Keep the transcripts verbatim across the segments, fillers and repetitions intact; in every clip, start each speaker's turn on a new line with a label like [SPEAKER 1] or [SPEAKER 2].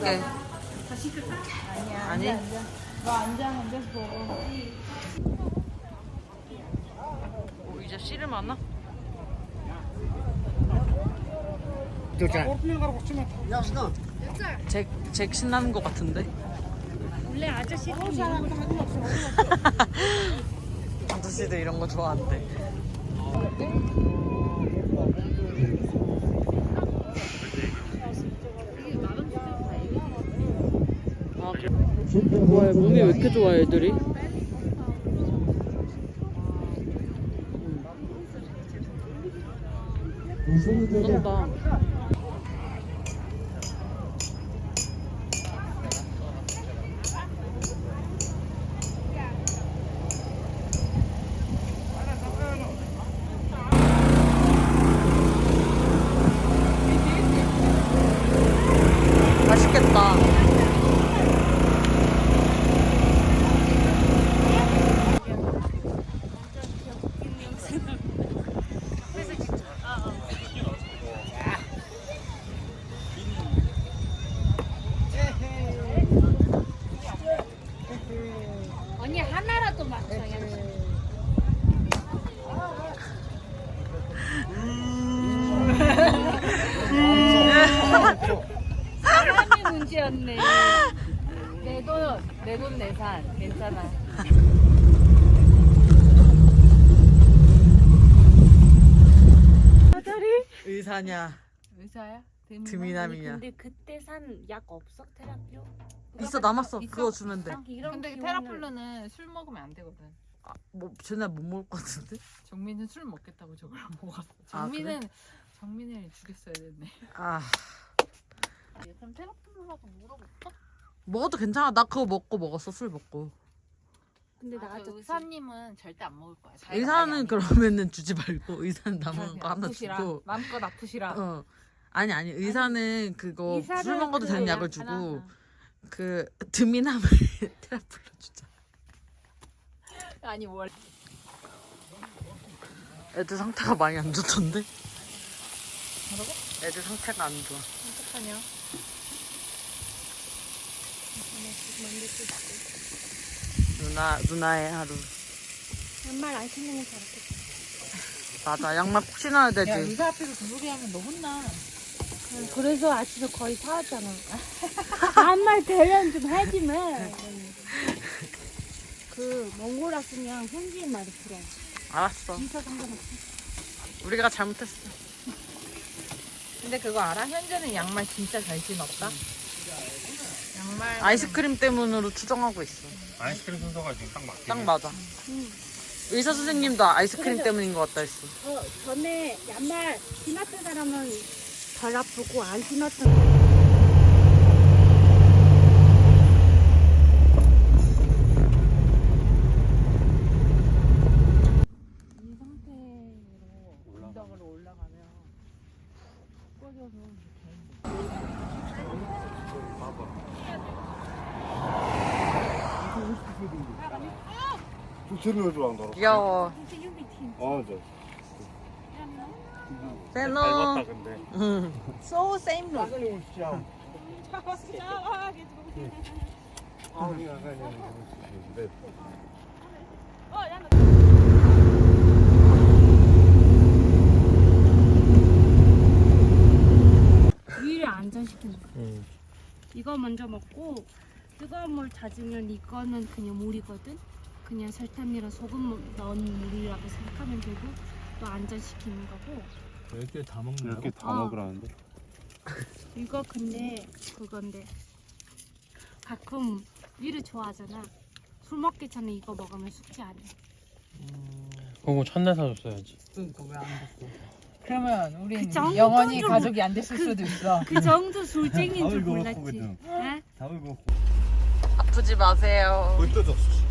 [SPEAKER 1] 먹을게.
[SPEAKER 2] 아니야.
[SPEAKER 1] 아니?
[SPEAKER 2] 앉아, 앉아. 너 앉아, 앉아서 먹어.
[SPEAKER 1] 오, 이제 씨름 하나? 잭, 잭 신나는 것 같은데?
[SPEAKER 2] 원래 아저씨
[SPEAKER 1] 아저씨도 이런 거 좋아한대. 아, 그래. 뭐야, 몸이 왜 이렇게 좋아, 애들이? 쏜다. 맛있겠다.
[SPEAKER 2] 언니 하나라도 맞춰. 사람이 문제였네. 내 돈, 내 돈 내산. 괜찮아.
[SPEAKER 1] 의사냐?
[SPEAKER 2] 의사야?
[SPEAKER 1] 드미남이냐?
[SPEAKER 3] 근데 그때 산 약 없어? 테라피오?
[SPEAKER 1] 있어, 남았어.
[SPEAKER 2] 있어?
[SPEAKER 1] 그거 주면 돼.
[SPEAKER 3] 이런
[SPEAKER 2] 근데
[SPEAKER 3] 기운을-
[SPEAKER 2] 테라플루는 술 먹으면 안 되거든.
[SPEAKER 1] 아, 뭐 쟤네 못 먹을 것 같은데?
[SPEAKER 2] 정민은 술 먹겠다고 저걸 먹었어.
[SPEAKER 1] 아,
[SPEAKER 2] 정민은 정민을 죽였어야 됐네.
[SPEAKER 1] 아,
[SPEAKER 3] 그럼 테라플루라고 물어볼까?
[SPEAKER 1] 먹어도 괜찮아. 나 그거 먹고 먹었어. 술 먹고.
[SPEAKER 3] 근데
[SPEAKER 2] 아,
[SPEAKER 3] 나도
[SPEAKER 2] 저 의사님은 절대 안 먹을 거야. 자기가
[SPEAKER 1] 의사는
[SPEAKER 2] 많이 안
[SPEAKER 1] 그러면은 주지 말고 의사는
[SPEAKER 2] 먹어.
[SPEAKER 1] 남은 거 하나
[SPEAKER 2] 아프시라.
[SPEAKER 1] 주고.
[SPEAKER 2] 마음껏 아프시라.
[SPEAKER 1] 어. 아니 아니 의사는 그거
[SPEAKER 3] 의사는
[SPEAKER 1] 술 먹어도 되는
[SPEAKER 3] 그거
[SPEAKER 1] 약을
[SPEAKER 3] 약
[SPEAKER 1] 주고
[SPEAKER 2] 하나.
[SPEAKER 1] 그 드미남을 테라플로 주자.
[SPEAKER 2] 아니 월.
[SPEAKER 1] 애들 상태가 많이 안 좋던데?
[SPEAKER 2] 뭐라고?
[SPEAKER 1] 애들 상태가 안 좋아.
[SPEAKER 2] 어떡하냐?
[SPEAKER 1] 누나 누나의 하루.
[SPEAKER 3] 정말 안 신는 게 잘했겠다.
[SPEAKER 1] 맞아, 양말 꼭 신어야 되지.
[SPEAKER 2] 야 의사 앞에서 그 소리 하면 너 혼나.
[SPEAKER 3] 그래서 아침에 거의 사왔잖아. 아말 대련 좀 하지만. 그 몽골 왔으면 현지인 말이 들어.
[SPEAKER 1] 알았어.
[SPEAKER 3] 진짜 상관없어.
[SPEAKER 1] 우리가 잘못했어.
[SPEAKER 2] 근데 그거 알아? 현재는 양말 진짜 잘 신었다. 양말.
[SPEAKER 1] 아이스크림 때문으로 추정하고 있어.
[SPEAKER 4] 아이스크림 순서가 지금 딱 맞게.
[SPEAKER 1] 딱 맞아. 의사 선생님도 아이스크림 때문인 것 같다 했어.
[SPEAKER 3] 어, 전에 양말 신었던 사람은 덜 아프고 안 신었던
[SPEAKER 2] 이 상태로 언덕으로 올라가면 꺼져서
[SPEAKER 4] 두채를 좋아한다.
[SPEAKER 1] 귀여워.
[SPEAKER 4] 어, 저.
[SPEAKER 1] 셀로.
[SPEAKER 4] 닮았다 근데.
[SPEAKER 1] 응.
[SPEAKER 2] So same look.
[SPEAKER 3] 위를 안전시키는 거.
[SPEAKER 4] 응.
[SPEAKER 3] 이거 먼저 먹고 뜨거운 물 잦으면 이거는 그냥 물이거든. 그냥 설탕이랑 소금 넣은 물이라고 생각하면 되고 또 안전시키는 거고.
[SPEAKER 5] 열 개 다 먹는
[SPEAKER 4] 이렇게
[SPEAKER 5] 거?
[SPEAKER 4] 다
[SPEAKER 3] 어.
[SPEAKER 4] 먹으라는데.
[SPEAKER 3] 이거 근데 그건데 가끔 위를 좋아하잖아. 술 먹기 전에 이거 먹으면 숙취 안 해.
[SPEAKER 5] 그거 첫날 사줬어야지.
[SPEAKER 1] 그러니까 왜 안 줬어?
[SPEAKER 2] 그러면 우린
[SPEAKER 3] 그 정도는
[SPEAKER 2] 영원히
[SPEAKER 3] 좀-
[SPEAKER 2] 가족이 안 됐을 수도 있어.
[SPEAKER 3] 그 정도 술쟁이인 줄
[SPEAKER 4] 이거
[SPEAKER 3] 몰랐지.
[SPEAKER 4] 먹거든.
[SPEAKER 3] 어?
[SPEAKER 4] 답을 먹고.
[SPEAKER 1] 아프지 마세요.
[SPEAKER 4] 물 떠졌어.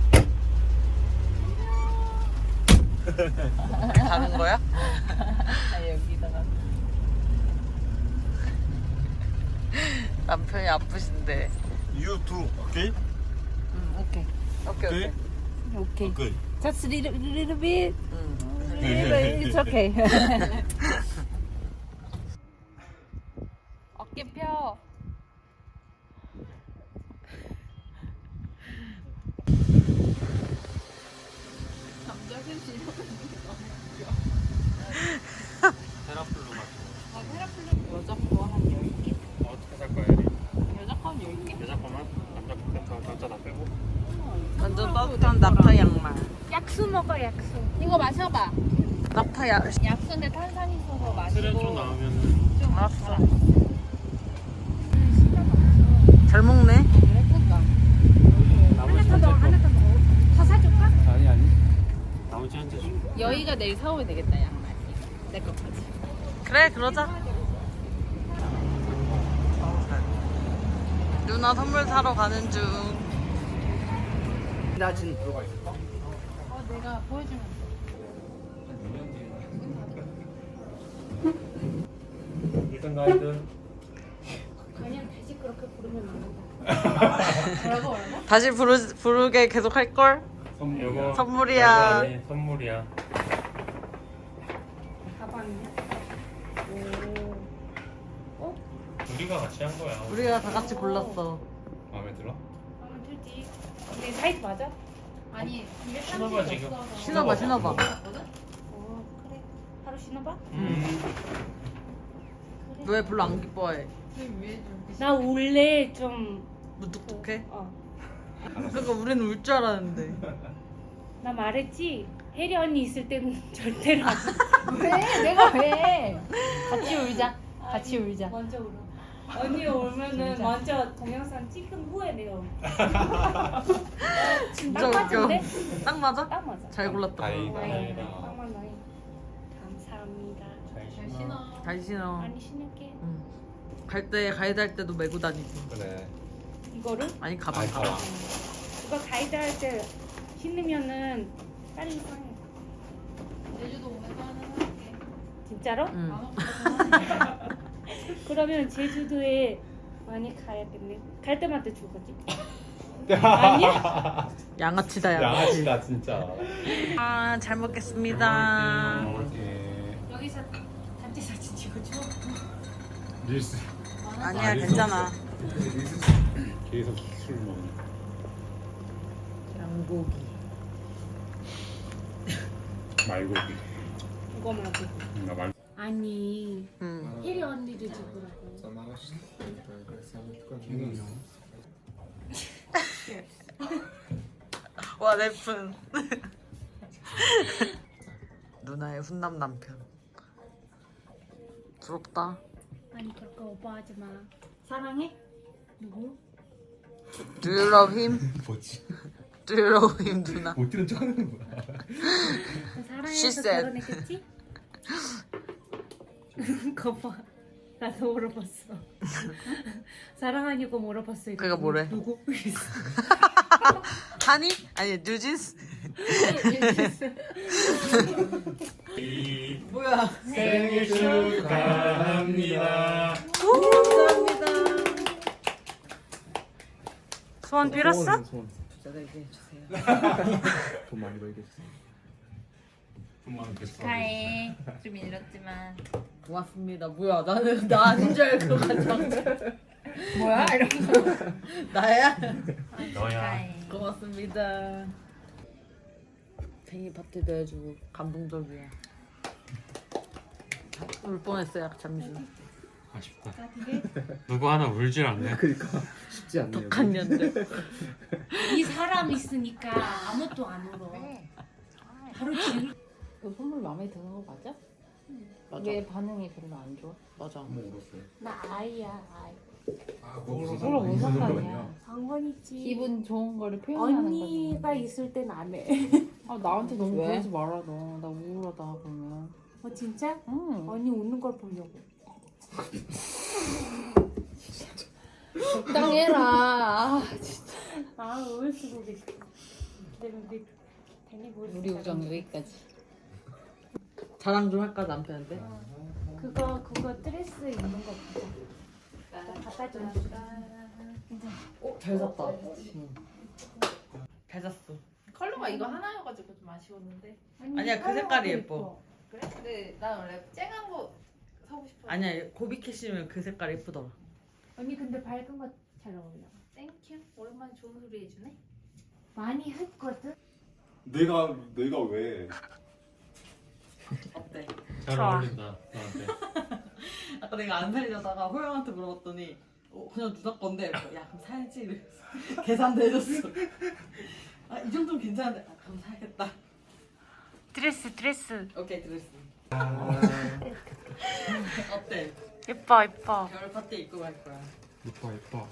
[SPEAKER 1] 가는 거야?
[SPEAKER 2] 아, 여기다가.
[SPEAKER 1] 남편이 아프신데.
[SPEAKER 4] You too. 오케이?
[SPEAKER 1] 응, 오케이. 오케이, 오케이.
[SPEAKER 3] 오케이.
[SPEAKER 4] 오케이.
[SPEAKER 3] Just a little, little bit.
[SPEAKER 1] 응.
[SPEAKER 3] It's okay.
[SPEAKER 2] 어깨 펴.
[SPEAKER 5] 테라플루 같은
[SPEAKER 2] 아, 테라플룸 여자 거한 열 개?
[SPEAKER 5] 거 어떻게 살 거야, 얘리?
[SPEAKER 2] 여자 거한 열 개?
[SPEAKER 5] 여자 거만? 남자 거, 남자 다 빼고?
[SPEAKER 1] 완전 따뜻한 낙타 양말.
[SPEAKER 3] 약수 먹어 약수.
[SPEAKER 2] 이거 마셔봐.
[SPEAKER 1] 낙타 양.
[SPEAKER 2] 약수인데 탄산이 있어서
[SPEAKER 5] 트렌 좀
[SPEAKER 2] 마시고
[SPEAKER 5] 나오면은
[SPEAKER 2] 좀
[SPEAKER 1] 알았어.
[SPEAKER 2] 알았어.
[SPEAKER 1] 잘 먹네.
[SPEAKER 2] 예쁘다.
[SPEAKER 3] 하나 더 먹어 하나 더 먹어. 더 사줄까?
[SPEAKER 5] 아니 아니 나머지 한 잔 줘.
[SPEAKER 2] 여의가 내일 사오면 되겠다 양말. 내 것까지.
[SPEAKER 1] 그래 그러자. 누나 선물 사러 가는 중.
[SPEAKER 5] 낮은 들어가 있을까?
[SPEAKER 2] 어 내가 보여주면
[SPEAKER 5] 일단 가이드
[SPEAKER 3] 그냥 다시 그렇게 부르면 안 된다.
[SPEAKER 2] 뭐라고 뭐라고?
[SPEAKER 1] 다시 부르, 부르게 계속 할 걸?
[SPEAKER 5] 이거
[SPEAKER 1] 선물이야.
[SPEAKER 5] 아니, 선물이야.
[SPEAKER 3] 가방이야?
[SPEAKER 5] 우리가 같이 한 거야.
[SPEAKER 1] 우리가 다 같이 골랐어.
[SPEAKER 5] 마음에 들어?
[SPEAKER 3] 가면 되지. 내 사이즈 맞아?
[SPEAKER 2] 아니
[SPEAKER 5] 신어봐 지금.
[SPEAKER 1] 신어봐 신어봐.
[SPEAKER 3] 어 그래. 바로 신어봐.
[SPEAKER 5] 음.
[SPEAKER 1] 너 왜 별로 안 기뻐해?
[SPEAKER 3] 나 원래 좀
[SPEAKER 1] 무뚝뚝해?
[SPEAKER 3] 어.
[SPEAKER 1] 그러니까 우리는 울 줄 알았는데.
[SPEAKER 3] 나 말했지. 혜리 언니 있을 때는 절대로 안
[SPEAKER 2] 왜? 내가 왜? 같이 울자. 같이 울자.
[SPEAKER 3] 먼저 울어. 언니 울면은
[SPEAKER 2] 진짜.
[SPEAKER 3] 먼저 동영상 찍은 후에 내가 울.
[SPEAKER 1] 진짜
[SPEAKER 3] 딱
[SPEAKER 1] 웃겨.
[SPEAKER 3] 맞은데?
[SPEAKER 1] 딱 맞아?
[SPEAKER 3] 딱 맞아.
[SPEAKER 1] 잘 골랐다.
[SPEAKER 5] 다행이다.
[SPEAKER 3] 네,
[SPEAKER 5] 다행이다.
[SPEAKER 3] 딱 맞네. 감사합니다.
[SPEAKER 5] 잘 신어.
[SPEAKER 1] 잘 신어.
[SPEAKER 3] 많이 신을게.
[SPEAKER 1] 응. 갈 때 가이드 할 때도 메고 다니고.
[SPEAKER 5] 그래.
[SPEAKER 3] 이거를
[SPEAKER 1] 아니 가방
[SPEAKER 5] 아니,
[SPEAKER 1] 가방.
[SPEAKER 5] 가방.
[SPEAKER 3] 이거 가이드 할 때 신으면은 빨리 상해.
[SPEAKER 2] 제주도 오면서 하나 사올게.
[SPEAKER 3] 진짜로?
[SPEAKER 1] 응.
[SPEAKER 3] 그러면 제주도에 많이 가야겠네. 갈 때마다 줄 거지? 아니야?
[SPEAKER 1] 양아치다 양아치.
[SPEAKER 5] 양아치다 진짜.
[SPEAKER 1] 아, 잘 먹겠습니다.
[SPEAKER 5] 먹을게.
[SPEAKER 3] 여기서 단체 사진 찍어줘.
[SPEAKER 5] 릴스.
[SPEAKER 1] 아니야 괜찮아.
[SPEAKER 5] 계속 술 먹는.
[SPEAKER 1] 양고기.
[SPEAKER 5] 말고기.
[SPEAKER 3] 이거 말고.
[SPEAKER 5] 나 말.
[SPEAKER 3] 아니
[SPEAKER 1] 응.
[SPEAKER 3] 혜리 언니도 찍으라고.
[SPEAKER 1] 와 래픈. 누나의 훈남 남편. 부럽다.
[SPEAKER 3] 아니 그렇게 오버하지 마. 사랑해? 누구?
[SPEAKER 1] Do you love him?
[SPEAKER 5] 뭐지?
[SPEAKER 1] Do you love him 누나?
[SPEAKER 5] 못 들은 척 하는 거야.
[SPEAKER 1] She
[SPEAKER 3] 사랑해서
[SPEAKER 1] said.
[SPEAKER 3] 결혼했겠지? 거봐. 나도 물어봤어. 사랑하냐고 물어봤어.
[SPEAKER 1] 그가 뭐래?
[SPEAKER 3] 누구?
[SPEAKER 1] 하니? 아니 뉴진스? 뭐야?
[SPEAKER 5] 생일 축하합니다.
[SPEAKER 1] 감사합니다. 소원 빌었어?
[SPEAKER 6] 저에게 주세요.
[SPEAKER 5] 돈 많이 벌게 해주세요. 돈 많이 벌게.
[SPEAKER 2] 축하해. 좀 잃었지만.
[SPEAKER 1] 고맙습니다. 뭐야? 나는 나 아닌 줄 알고 가져온
[SPEAKER 2] 뭐야? 이러면서.
[SPEAKER 1] 나야?
[SPEAKER 5] 너야.
[SPEAKER 1] 고맙습니다. 생일 파티도 해주고 감동적이야. 울 뻔했어요 잠시.
[SPEAKER 5] 아쉽다. 누구 하나 울질 않네.
[SPEAKER 6] 그러니까 쉽지 않네요.
[SPEAKER 1] 독한 년들.
[SPEAKER 3] 이 사람 있으니까 아무것도 안 울어. 바로 지울.
[SPEAKER 2] 너 선물 마음에 드는 거 맞아?
[SPEAKER 1] 맞아.
[SPEAKER 2] 왜 반응이 별로 안 좋아?
[SPEAKER 1] 맞아.
[SPEAKER 3] 나 아이야 아이.
[SPEAKER 2] 그럼 무슨 상관이야?
[SPEAKER 3] 상관있지.
[SPEAKER 2] 기분 좋은 거를 표현하는
[SPEAKER 3] 언니가
[SPEAKER 2] 거지.
[SPEAKER 3] 있을 땐 안 해.
[SPEAKER 2] 아 나한테 너무
[SPEAKER 1] 왜?
[SPEAKER 2] 그러지 말아 너. 나 우울하다 그러면.
[SPEAKER 3] 어 진짜?
[SPEAKER 2] 응.
[SPEAKER 3] 언니 웃는 걸 보려고.
[SPEAKER 2] 적당해라. 아,
[SPEAKER 3] 아 울수록 있어. 기다리면 돼. 괜히 울.
[SPEAKER 2] 우리 우정 여기까지.
[SPEAKER 1] 자랑 좀 할까 남편한테?
[SPEAKER 3] 그거 그거 드레스 입는 거 보자. 갖다 줘.
[SPEAKER 1] 어? 잘 샀다. 응. 잘 샀어.
[SPEAKER 2] 컬러가 이거 하나여가지고 좀 아쉬웠는데.
[SPEAKER 1] 아니야, 그 색깔이 예뻐.
[SPEAKER 2] 그래? 근데 난 원래 쨍한 거 사고 싶어.
[SPEAKER 1] 아니야 고비캐시면 그 색깔 예쁘더라.
[SPEAKER 3] 언니 근데 밝은 거 잘 어울려.
[SPEAKER 2] 땡큐. 오랜만에 좋은 소리 해주네.
[SPEAKER 3] 많이 했거든.
[SPEAKER 4] 내가 내가 왜?
[SPEAKER 6] 어때?
[SPEAKER 5] 잘
[SPEAKER 1] 좋아.
[SPEAKER 5] 어울린다 나한테.
[SPEAKER 6] 아까 내가 안 살려다가 호영한테 물어봤더니 어, 그냥 누나 건데 이러면서, 야 그럼 사야지 이랬어. 계산도 해줬어. 아 이 정도면 괜찮은데 아, 그럼 사야겠다.
[SPEAKER 1] 드레스 드레스.
[SPEAKER 6] 오케이 드레스. 어때?
[SPEAKER 1] 예뻐 예뻐.
[SPEAKER 6] 겨울 파티 입고 갈 거야.
[SPEAKER 5] 예뻐 예뻐.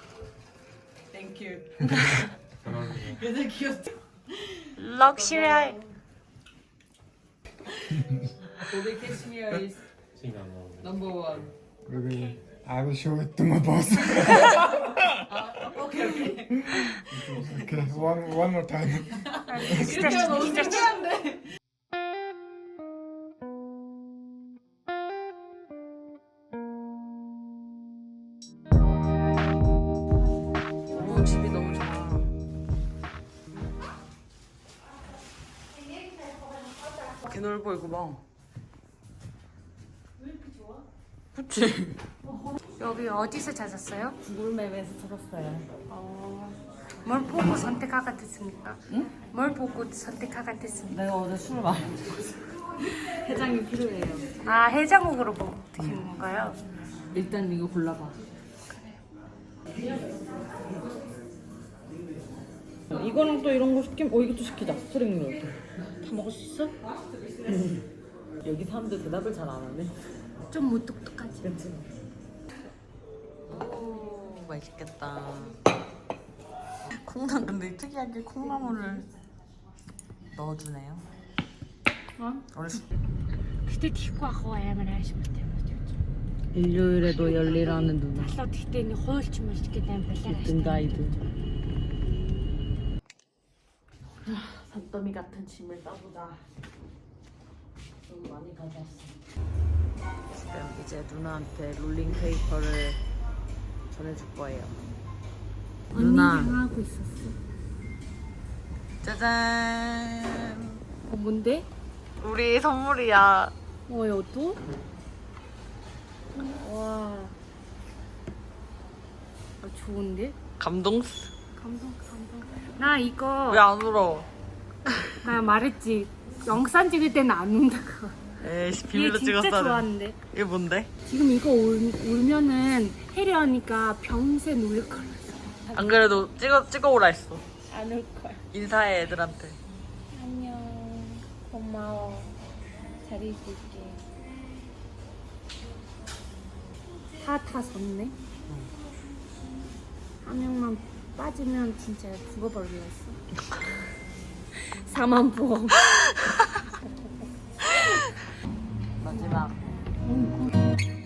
[SPEAKER 6] 땡큐.
[SPEAKER 5] 잘 어울리네.
[SPEAKER 6] 그래서 귀엽지?
[SPEAKER 1] 럭셔리.
[SPEAKER 6] Bobby Cashmere is
[SPEAKER 5] 신경 안 나오네.
[SPEAKER 6] number one.
[SPEAKER 7] Maybe I will show it to my boss.
[SPEAKER 6] 아 오케이 오케이.
[SPEAKER 7] Okay, one one more time.
[SPEAKER 6] 이렇게 하면 너무 창피한데.
[SPEAKER 1] 오 집이 너무 좋아. 개 넓어 이거 봐. 왜 이렇게 좋아? 그치.
[SPEAKER 3] 여기 어디서 찾았어요?
[SPEAKER 6] 구글맵에서 찾았어요.
[SPEAKER 3] 뭘 보고 선택하게 됐습니까? 응? 뭘 보고 선택하게 됐습니까?
[SPEAKER 6] 내가 어제 술을 많이 먹어서 해장이 필요해요.
[SPEAKER 3] 아 해장국으로 뭐 드시는 건가요?
[SPEAKER 6] 일단 이거 골라봐. 이거랑 또 이런 거 시키면 어 이것도 시키자. 스트링 다 먹을 수 있어? 여기 사람들 대답을 잘 안 하네.
[SPEAKER 3] 좀 무뚝뚝하지.
[SPEAKER 6] 그렇지.
[SPEAKER 1] 오 맛있겠다. 콩나물 근데 특이하게 콩나물을 넣어주네요.
[SPEAKER 3] 어?
[SPEAKER 1] 어렸을
[SPEAKER 3] Гэтэ тийхгүй ах уу амар аашгүй юм.
[SPEAKER 6] 일요일에도 열일하는 누나.
[SPEAKER 3] Талаад гэхдээ нэг хуйлч мэлч гэдэг юм балаа.
[SPEAKER 6] 등 가이드. 산더미 같은 짐을 싸보자. 좀 많이 가져왔어. 지금 이제 누나한테 롤링 페이퍼를 전해줄 거예요.
[SPEAKER 3] 언니
[SPEAKER 6] 누나.
[SPEAKER 3] 당하고 있었어.
[SPEAKER 1] 짜잔.
[SPEAKER 3] 어 뭔데?
[SPEAKER 1] 우리 선물이야.
[SPEAKER 3] 어 이것도? 와. 아, 좋은데?
[SPEAKER 1] 감동.
[SPEAKER 3] 감동 감동. 나 이거
[SPEAKER 1] 왜 안 울어?
[SPEAKER 3] 나 말했지. 영상 찍을 때는 안 운다고.
[SPEAKER 1] 에이씨
[SPEAKER 3] 이게
[SPEAKER 1] 비밀로
[SPEAKER 3] 진짜
[SPEAKER 1] 찍었어.
[SPEAKER 3] 좋아하는데.
[SPEAKER 1] 이게 뭔데?
[SPEAKER 3] 지금 이거 울, 울면은 혜리 언니가 평생 울릴 거야.
[SPEAKER 1] 안 그래도 찍어 찍어오라 했어.
[SPEAKER 3] 안 울 거야.
[SPEAKER 1] 인사해 애들한테.
[SPEAKER 3] 안녕. 고마워. 잘 있을게. 다, 다 섰네? 한 명만 빠지면 진짜 죽어버리겠어. 사만 보험.
[SPEAKER 6] 마지막.
[SPEAKER 3] 음,